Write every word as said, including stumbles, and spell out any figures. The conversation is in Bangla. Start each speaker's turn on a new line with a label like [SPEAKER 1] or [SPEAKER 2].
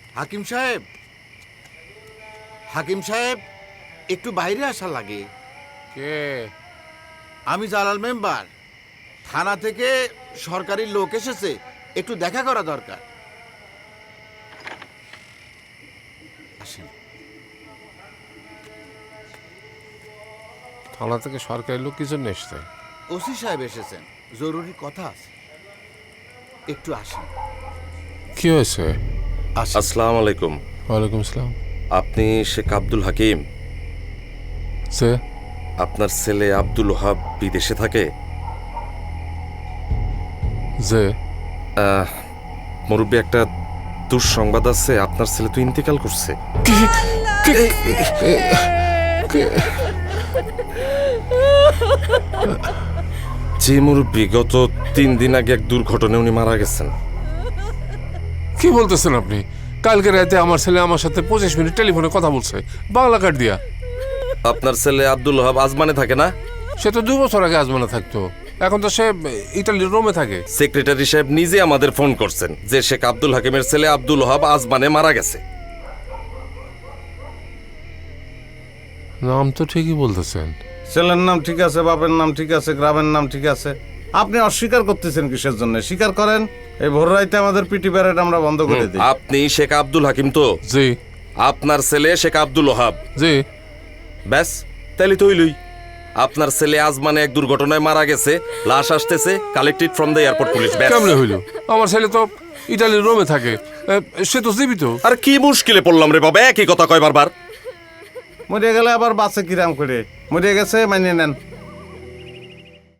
[SPEAKER 1] হাকিম সাহেব, হাকিম সাহেব, একটু বাইরে আসা লাগে।
[SPEAKER 2] কে?
[SPEAKER 1] আমি জালাল মেম্বার। থানা থেকে সরকারি লোক এসেছে, একটু দেখা করা দরকার। আসেন।
[SPEAKER 2] থানা থেকে সরকারি লোক কি জন্য এসছে?
[SPEAKER 1] ওসি সাহেব এসেছেন, জরুরি কথা আছে, একটু আসেন।
[SPEAKER 2] কি হয়েছে?
[SPEAKER 1] আসেন।
[SPEAKER 3] আসসালামু আলাইকুম।
[SPEAKER 2] ওয়ালাইকুম আসসালাম।
[SPEAKER 3] আপনি শেখ আব্দুল হাকিম?
[SPEAKER 2] সে
[SPEAKER 3] আপনার ছেলে আব্দুল ওহাব বিদেশে থাকে?
[SPEAKER 2] যে
[SPEAKER 3] আহ, মুরব্বী, একটা দুঃসংবাদ আছে, আপনার ছেলে তো ইন্তেকাল করছে।
[SPEAKER 2] কি? কি- কি-
[SPEAKER 3] যে মুরব্বী, গত তিন দিন আগে এক দুর্ঘটনায় উনি মারা গেছেন।
[SPEAKER 2] কি বলতেছেন আপনি? কালকে রাতে আমার ছেলে আমার সাথে পঁচিশ মিনিট টেলিফোনে কথা বলছে, বাংলা কার্ড দিয়া।
[SPEAKER 3] আপনার ছেলে আব্দুল ওহাব আজমানে থাকে না?
[SPEAKER 2] সে তো দু বছর আগে আজমানে থাকতো, এখন তো সে ইটালির রোমে থাকে।
[SPEAKER 3] সেক্রেটারি সাহেব নিজে আমাদের ফোন করছেন যে শেখ আব্দুল হাকিমের ছেলে আব্দুল ওহাব আজমানে মারা গেছে।
[SPEAKER 2] নাম তো ঠিকই বলতেছেন।
[SPEAKER 4] ছেলের নাম ঠিক আছে, বাপের নাম ঠিক আছে, গ্রামের নাম ঠিক আছে। আপনি অস্বীকার করতেছেন কিসের জন্য? স্বীকার করেন। এই ভোর রাইতে আমাদের পিটি প্যারেড আমরা বন্ধ করে দিই।
[SPEAKER 3] আপনি শেখ আব্দুল হাকিম তো?
[SPEAKER 2] জি
[SPEAKER 3] আপনার ছেলে শেখ আব্দুল ওহাব।
[SPEAKER 2] জি।
[SPEAKER 3] ব্যাস, তাইলে তো হইলই। আপনার ছেলে আজমানে এক দুর্ঘটনায় মারা গেছে, লাশ আসতেছে, collected from the airport police.
[SPEAKER 2] কেমনে হইল? আমার ছেলে তো ইটালির রোমে থাকে, এ, সে তো জীবিত।
[SPEAKER 3] আর কি মুশকিলে পড়লাম রে বাবা, একই কথা কয় বারবার।
[SPEAKER 4] মরে গেলে আবার বাসে কিরাম করে? মরে গেছে, মানিয়ে নেন।